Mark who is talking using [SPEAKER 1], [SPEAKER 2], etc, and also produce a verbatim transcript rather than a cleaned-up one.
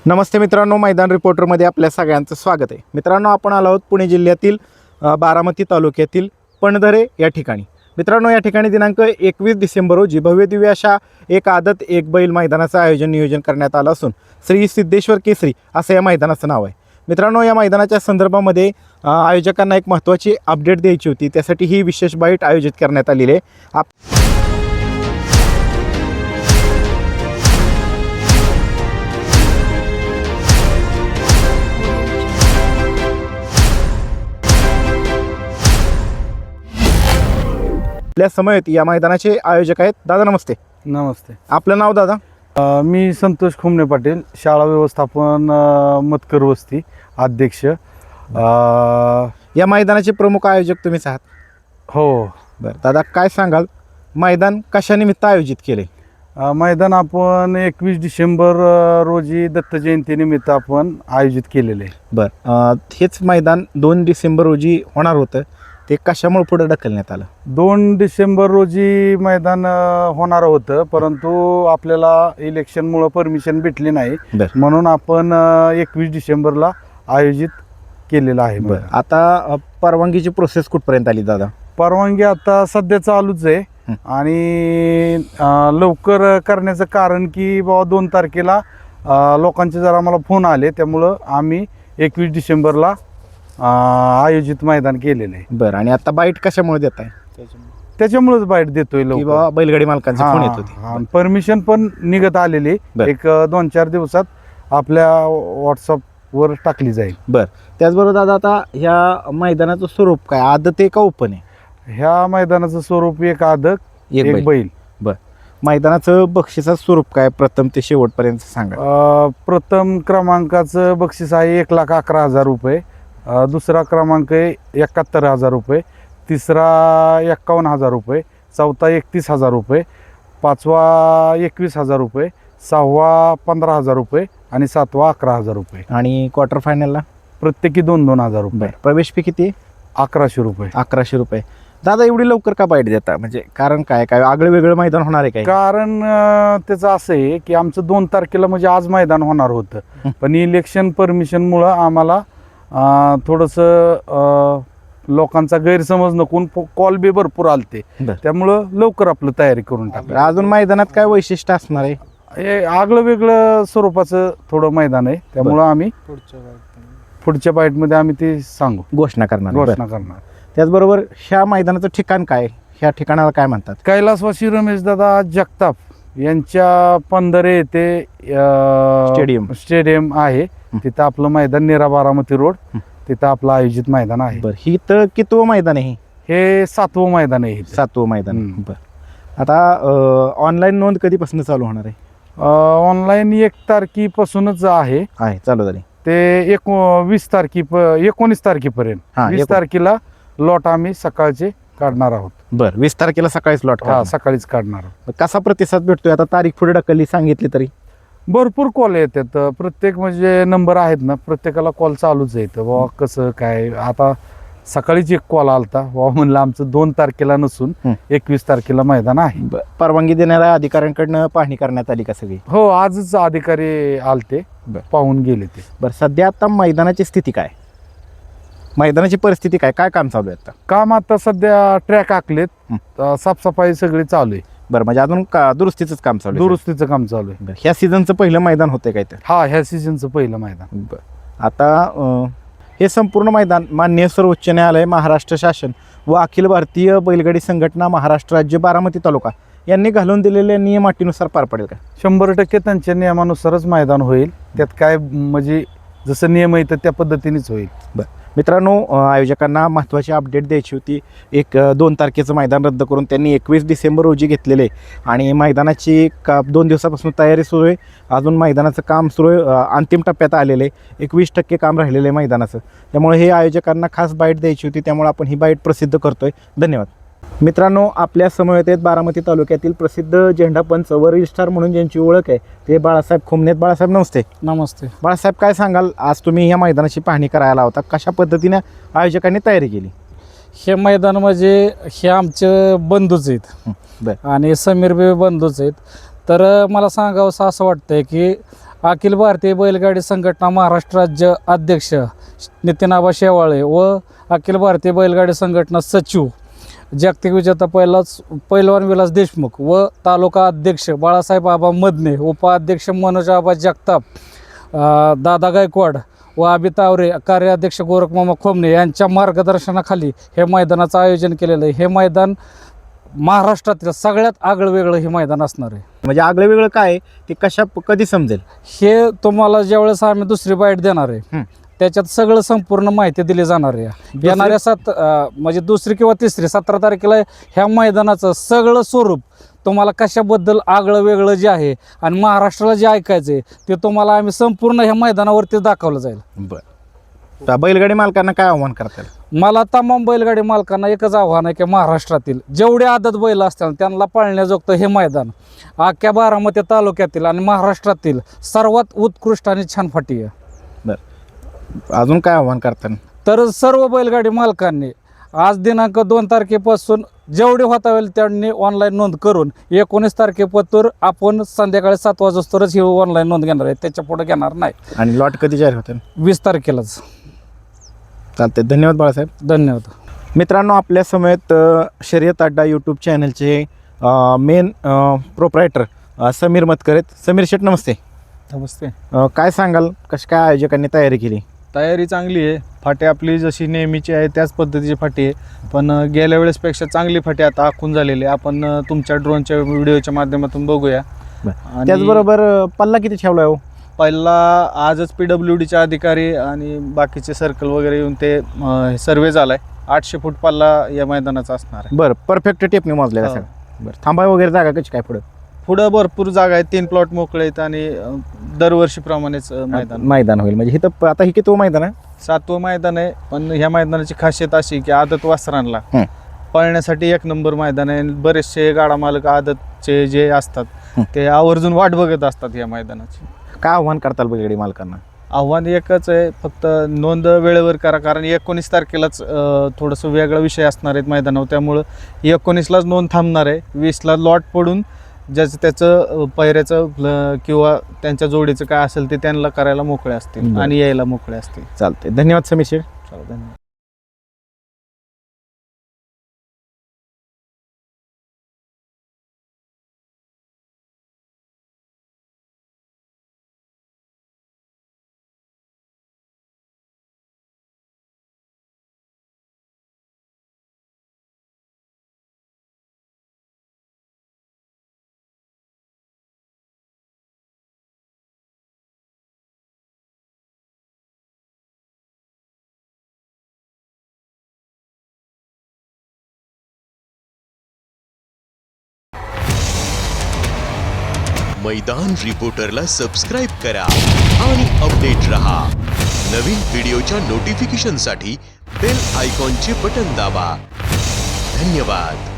[SPEAKER 1] नमस्ते मित्रांनो, मैदान रिपोर्टरमध्ये आपल्या सगळ्यांचं स्वागत आहे. मित्रांनो, आपण आलो आहोत पुणे जिल्ह्यातील अ, बारामती तालुक्यातील पणधरे या ठिकाणी. मित्रांनो, या ठिकाणी दिनांक एकवीस डिसेंबर रोजी भव्य दिव्य अशा एक आदत एक बैल मैदानाचं आयोजन नियोजन करण्यात आलं असून श्री सिद्धेश्वर केसरी असं या मैदानाचं नाव आहे. मित्रांनो, या मैदानाच्या संदर्भामध्ये अ, आयोजकांना एक महत्त्वाची अपडेट द्यायची होती, त्यासाठी ही विशेष बाईट आयोजित करण्यात आलेली आहे. आप आपल्या समयेत या मैदानाचे आयोजक आहेत. दादा नमस्ते.
[SPEAKER 2] नमस्ते.
[SPEAKER 1] आपलं नाव दादा?
[SPEAKER 2] अ, मी संतोष खुमणे पाटील, शाळा व्यवस्थापन अ, मतकर वस्ती अध्यक्ष. अ,
[SPEAKER 1] या मैदानाचे प्रमुख आयोजक तुम्हीच आहात.
[SPEAKER 2] हो.
[SPEAKER 1] बरं दादा, काय सांगाल, मैदान कशानिमित्त आयोजित केले?
[SPEAKER 2] अ, मैदान आपण एकवीस डिसेंबर अ, रोजी दत्त जयंतीनिमित्त आपण आयोजित केलेले आहे.
[SPEAKER 1] बरं, अ, हेच मैदान दोन डिसेंबर रोजी होणार होतं, ते कशामुळे पुढे ढकलण्यात आलं?
[SPEAKER 2] दोन डिसेंबर रोजी मैदान अ, होणार होतं, परंतु आपल्याला इलेक्शनमुळं परमिशन भेटली नाही,
[SPEAKER 1] बरं
[SPEAKER 2] म्हणून आपण एकवीस डिसेंबरला आयोजित केलेलं आहे.
[SPEAKER 1] बरं, आता अ, परवानगीची प्रोसेस कुठपर्यंत आली दादा?
[SPEAKER 2] परवानगी आता सध्या चालूच आहे.
[SPEAKER 1] हं.
[SPEAKER 2] आणि अ, लवकर करण्याचं कारण की बाबा दोन तारखेला अ, लोकांचे जरा मला फोन आले, त्यामुळं आम्ही एकवीस डिसेंबरला अ, आयोजित मैदान केलेलं आहे.
[SPEAKER 1] बरं, आणि आता बाईट कशामुळे देत आहे?
[SPEAKER 2] त्याच्यामुळेच बाईट देतोय
[SPEAKER 1] की
[SPEAKER 2] लवकर.
[SPEAKER 1] बाबा बैलगाडी मालकांचे फोन येत होते.
[SPEAKER 2] परमिशन पण निघत आलेली,
[SPEAKER 1] बरं.
[SPEAKER 2] एक अ, दोन चार दिवसात आपल्या व्हॉट्सअपवर टाकली जाईल.
[SPEAKER 1] बरं, त्याचबरोबर दादा, आता ह्या मैदानाचं स्वरूप काय, आदत आहे का ओपन आहे?
[SPEAKER 2] ह्या मैदानाचं स्वरूप एक आदक
[SPEAKER 1] एक
[SPEAKER 2] एक
[SPEAKER 1] बैल.
[SPEAKER 2] बैल.
[SPEAKER 1] बरं, मैदानाचं बक्षिसाचं स्वरूप काय, प्रथम ते शेवटपर्यंत सांगा.
[SPEAKER 2] अ, प्रथम क्रमांकाचं बक्षीस आहे एक लाख अकरा हजार रुपये. अ, दुसरा क्रमांक आहे एकाहत्तर हजार रुपये. तिसरा एक्कावन्न हजार रुपये. चौथा एकतीस हजार रुपये. पाचवा एकवीस हजार रुपये. सहावा पंधरा हजार रुपये आणि सातवा अकरा हजार रुपये.
[SPEAKER 1] आणि क्वार्टर फायनलला
[SPEAKER 2] प्रत्येकी दोन दोन हजार रुपये.
[SPEAKER 1] प्रवेश फी किती आहे?
[SPEAKER 2] अकराशे रुपये.
[SPEAKER 1] अकराशे रुपये. दादा, एवढी लवकर का बाईट देता? म्हणजे कारण काय काय आगळं वेगळं मैदान होणार आहे काय?
[SPEAKER 2] कारण अ, त्याचं असं आहे की आमचं दोन तारखेला म्हणजे आज मैदान होणार होतं,
[SPEAKER 1] हं.
[SPEAKER 2] पण इलेक्शन परमिशनमुळं आम्हाला अ, थोडंसं अ, लोकांचा गैरसमज नकून कॉल बी भरपूर आलते,
[SPEAKER 1] बरं.
[SPEAKER 2] त्यामुळं लवकर आपलं तयारी करून टाकलं.
[SPEAKER 1] अजून मैदानात काय वैशिष्ट्य असणार आहे?
[SPEAKER 2] हे आगळं वेगळं स्वरूपाचं थोडं मैदान आहे, त्यामुळं आम्ही पुढच्या बाईटमध्ये आम्ही ते सांगू,
[SPEAKER 1] घोषणा करणार. बरं.
[SPEAKER 2] घोषणा करणार.
[SPEAKER 1] त्याचबरोबर ह्या मैदानाचं ठिकाण काय, ह्या ठिकाणाला काय म्हणतात?
[SPEAKER 2] कैलासवासी रमेशदादा जगताप यांच्या पंधरे येथे अ,
[SPEAKER 1] स्टेडियम.
[SPEAKER 2] स्टेडियम आहे.
[SPEAKER 1] हं.
[SPEAKER 2] तिथं आपलं मैदान निरा बारामती रोड,
[SPEAKER 1] हं.
[SPEAKER 2] तिथं आपलं आयोजित मैदान आहे.
[SPEAKER 1] बरं, ही तर कितवं मैदान आहे?
[SPEAKER 2] हे सातवं मैदान आहे इथं.
[SPEAKER 1] सातवं मैदान.
[SPEAKER 2] हं.
[SPEAKER 1] बरं, आता ऑनलाईन नोंद कधीपासून चालू होणार आहे?
[SPEAKER 2] ऑनलाईन एक तारखेपासूनच आहे,
[SPEAKER 1] आहे चालू झाली.
[SPEAKER 2] ते एक वीस तारखे एकोणीस तारखेपर्यंत.
[SPEAKER 1] हां,
[SPEAKER 2] वीस
[SPEAKER 1] एकोण-
[SPEAKER 2] तारखेला लॉट आम्ही सकाळचे काढणार आहोत.
[SPEAKER 1] बरं, वीस तारखेला सकाळीच लॉट
[SPEAKER 2] हा, सकाळीच काढणार आहोत.
[SPEAKER 1] कसा प्रतिसाद भेटतोय? आता तारीख पुढे ढकलली सांगितली तरी
[SPEAKER 2] भरपूर कॉल येतात. प्रत्येक म्हणजे नंबर आहेत ना, प्रत्येकाला कॉल चालूच येतं, बाबा कसं काय. आता सकाळीच एक कॉल आलता, बाबा म्हणलं आमचं दोन तारखेला नसून
[SPEAKER 1] हं.
[SPEAKER 2] एकवीस तारखेला मैदान आहे.
[SPEAKER 1] ब- परवानगी देणाऱ्या अधिकाऱ्यांकडनं पाहणी करण्यात आली का सगळी?
[SPEAKER 2] हो, आजच अधिकारी आलते,
[SPEAKER 1] बरं.
[SPEAKER 2] पाहून गेले ते.
[SPEAKER 1] बरं, सध्या आता मैदानाची स्थिती काय, मैदानाची परिस्थिती काय, काय काम चालू आहे आता?
[SPEAKER 2] काम आता सध्या ट्रॅक आखलेत,
[SPEAKER 1] हं.
[SPEAKER 2] अ, साफसफाई सगळी चालू आहे.
[SPEAKER 1] बरं, म्हणजे अजून का दुरुस्तीचंच काम चालू आहे?
[SPEAKER 2] दुरुस्तीचं काम चालू आहे.
[SPEAKER 1] बरं, ह्या सीझनचं पहिलं मैदान होतंय काय तर?
[SPEAKER 2] हा, ह्या सीझनचं पहिलं मैदान.
[SPEAKER 1] बरं, आता अं, हे संपूर्ण मैदान माननीय सर्वोच्च न्यायालय, महाराष्ट्र शासन व अखिल भारतीय बैलगाडी संघटना महाराष्ट्र राज्य बारामती तालुका यांनी घालून दिलेल्या नियम अटीनुसार पार पडेल का?
[SPEAKER 2] शंभर टक्के त्यांच्या नियमानुसारच मैदान होईल. त्यात काय म्हणजे जसं नियम येतं त्या पद्धतीनेच होईल.
[SPEAKER 1] बरं मित्रांनो, अं, आयोजकांना महत्त्वाची अपडेट द्यायची होती. एक अं, दोन तारखेचं मैदान रद्द करून त्यांनी एकवीस डिसेंबर रोजी घेतलेले आणि मैदानाची का दोन दिवसापासून तयारी सुरू आहे. अजून मैदानाचं काम सुरू आहे, अं, अंतिम टप्प्यात आलेलं आहे. एकवीस टक्के काम राहिलेलं आहे मैदानाचं. त्यामुळे हे आयोजकांना खास बाईट द्यायची होती, त्यामुळे आपण ही बाईट प्रसिद्ध करतोय. धन्यवाद. मित्रांनो, आपल्या समवेत आहेत बारामती तालुक्यातील प्रसिद्ध झेंडापंच व रजिस्ट्रार म्हणून ज्यांची ओळख आहे ते बाळासाहेब खुमणे. बाळासाहेब नमस्ते.
[SPEAKER 3] नमस्ते.
[SPEAKER 1] बाळासाहेब, काय सांगाल, आज तुम्ही या मैदानाची पाहणी करायला होता, कशा पद्धतीने आयोजकांनी तयारी केली?
[SPEAKER 3] हे मैदान म्हणजे हे आमचे बंधूच आहेत
[SPEAKER 1] बरं.
[SPEAKER 3] आणि समीर बे बंधूच आहेत. तर मला सांगावंसं असं वाटतंय की अखिल भारतीय बैलगाडी संघटना महाराष्ट्र राज्य अध्यक्ष नितीन शेवाळे व अखिल भारतीय बैलगाडी संघटना सचिव जागतिक विजेता पहिलाच पैलवान विलास देशमुख व तालुका अध्यक्ष बाळासाहेब आबा मदने, उपाध्यक्ष मनोज आबा जगताप, अ, दादा गायकवाड व अभि तावरे, कार्याध्यक्ष गोरखमामा खोमणे यांच्या मार्गदर्शनाखाली हे मैदानाचं आयोजन केलेलं आहे. हे मैदान महाराष्ट्रातील सगळ्यात आगळं वेगळं हे मैदान असणार आहे.
[SPEAKER 1] म्हणजे आगळं वेगळं काय आहे, ते कशा कधी समजेल?
[SPEAKER 3] हे तुम्हाला ज्यावेळेस आम्ही दुसरी बाईट देणार आहे
[SPEAKER 1] हं.
[SPEAKER 3] त्याच्यात सगळं संपूर्ण माहिती दिली जाणार आहे. येणाऱ्या सात अ, म्हणजे दुसरी किंवा तिसरी सतरा तारखेला ह्या मैदानाचं सगळं स्वरूप तुम्हाला कशाबद्दल आगळं वेगळं जे आहे आणि महाराष्ट्राला जे ऐकायचं आहे ते तुम्हाला आम्ही संपूर्ण ह्या मैदानावरती दाखवलं जाईल.
[SPEAKER 1] बरं, तर बैलगाडी मालकांना काय आव्हान करता येईल?
[SPEAKER 3] मला तमाम बैलगाडी मालकांना एकच आव्हान आहे की महाराष्ट्रातील जेवढे आदत बैल असतात त्यांना पाळण्याजोगतं हे मैदान अख्ख्या बारामती तालुक्यातील आणि महाराष्ट्रातील सर्वात उत्कृष्ट आणि छान फाटी आहे.
[SPEAKER 1] अजून काय आव्हान करता?
[SPEAKER 3] तर सर्व बैलगाडी मालकांनी आज दिनांक दोन तारखेपासून जेवढे होता होईल त्यांनी ऑनलाईन नोंद करून एकोणीस तारखेपासून आपण संध्याकाळी सात वाजतोच ही ऑनलाईन नोंद घेणार आहे, त्याच्या पुढे घेणार नाही.
[SPEAKER 1] आणि लॉट कधी जाहीर होते?
[SPEAKER 3] वीस तारखेलाच.
[SPEAKER 1] चालते, धन्यवाद बाळासाहेब.
[SPEAKER 3] धन्यवाद.
[SPEAKER 1] मित्रांनो, आपल्या समेत अ, शर्यत अड्डा यूट्यूब चॅनलचे मेन प्रोप्रायटर समीर मतकर आहेत. समीर शेठ, नमस्ते.
[SPEAKER 4] नमस्ते.
[SPEAKER 1] अ, काय सांगाल, कशी काय आयोजकांनी तयारी केली?
[SPEAKER 4] तयारी चांगली आहे. फाटी आपली जशी नेहमीची आहे त्याच पद्धतीची फाटी आहे, पण अ, गेल्या वेळेसपेक्षा चांगली फाटी आता आखून झालेली आहे. आपण अ, तुमच्या ड्रोनच्या व्हिडिओच्या माध्यमातून बघूया. आणि
[SPEAKER 1] त्याचबरोबर अ, पल्ला किती ठेवला आहे हो?
[SPEAKER 4] पहिला आजच पी डब्ल्यू डीचे अधिकारी आणि बाकीचे सर्कल वगैरे येऊन ते सर्वे झाला आहे. आठशे फूट पल्ला या मैदानाचा असणार आहे.
[SPEAKER 1] बरं, परफेक्ट टेपने मोजलेला
[SPEAKER 4] हो.
[SPEAKER 1] सगळं. बरं, थांबा वगैरे जागा कशी काय पुढं?
[SPEAKER 4] पुढं भरपूर जागा आहे, तीन प्लॉट मोकळे आहेत आणि अ, दरवर्षीप्रमाणेच अ, मैदान
[SPEAKER 1] मैदान होईल. म्हणजे इथं आता ही किती मैदान आहे?
[SPEAKER 4] सातवं मैदान आहे. पण ह्या मैदानाची खासियत अशी की आदत वासरांना
[SPEAKER 1] हं.
[SPEAKER 4] पळण्यासाठी एक नंबर मैदान आहे. बरेचसे गाडा मालक आदतचे जे असतात
[SPEAKER 1] हं.
[SPEAKER 4] ते आवर्जून वाट बघत असतात या मैदानाची.
[SPEAKER 1] काय आव्हान करताल बैलगाडी मालकांना?
[SPEAKER 4] आव्हान एकच आहे, फक्त नोंद वेळेवर करा, कारण एकोणीस तारखेलाच अ, थोडंसं वेगळा विषय असणार आहेत मैदानावर, त्यामुळं एकोणीसलाच नोंद थांबणार आहे. वीसला लॉट पडून ज्याचं त्याचं अ, पैऱ्याचं ल- किंवा त्यांच्या जोडीचं काय असेल ते त्यांना करायला मोकळे असतील
[SPEAKER 1] बरं.
[SPEAKER 4] आणि यायला मोकळे असतील.
[SPEAKER 1] चालते, धन्यवाद समीर शेठ.
[SPEAKER 4] चला, धन्यवाद.
[SPEAKER 5] मैदान रिपोर्टरला सबस्क्राइब करा आणि अपडेट रहा. नवीन व्हिडिओच्या नोटिफिकेशनसाठी बेल आयकॉनचे बटन दाबा. धन्यवाद.